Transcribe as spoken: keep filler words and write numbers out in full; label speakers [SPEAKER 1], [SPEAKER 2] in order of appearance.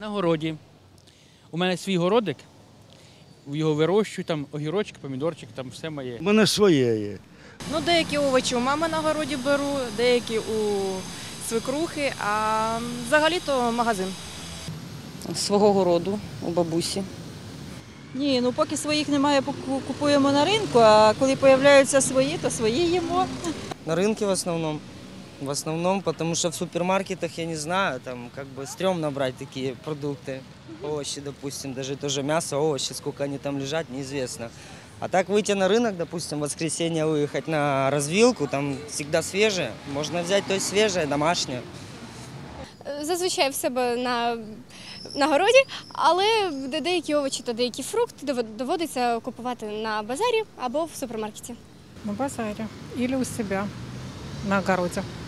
[SPEAKER 1] На городі. У мене свій городик, його вирощую, там огірочки, помідорчик, там все моє.
[SPEAKER 2] У мене своє є.
[SPEAKER 3] Ну, деякі овочі у мами на городі беру, деякі у свекрухи, а взагалі-то магазин.
[SPEAKER 4] Свого городу у бабусі.
[SPEAKER 5] Ні, ну поки своїх немає, поку- купуємо на ринку, а коли з'являються свої, то свої їмо.
[SPEAKER 6] На рынке в основном. В основном, потому что в супермаркетах, я не знаю, там как бы стрёмно брать такие продукты. Овощи, допустим, даже тоже мясо, овощи, сколько они там лежат, неизвестно. А так выйти на рынок, допустим, в воскресенье выехать на развилку, там всегда свежее. Можно взять то есть свежее, домашнее.
[SPEAKER 7] Зазвичай в себе на, на городі, але деякі овочі та деякі фрукти доводиться купувати на базарі або в супермаркеті.
[SPEAKER 8] На базаре или у себя на огороде.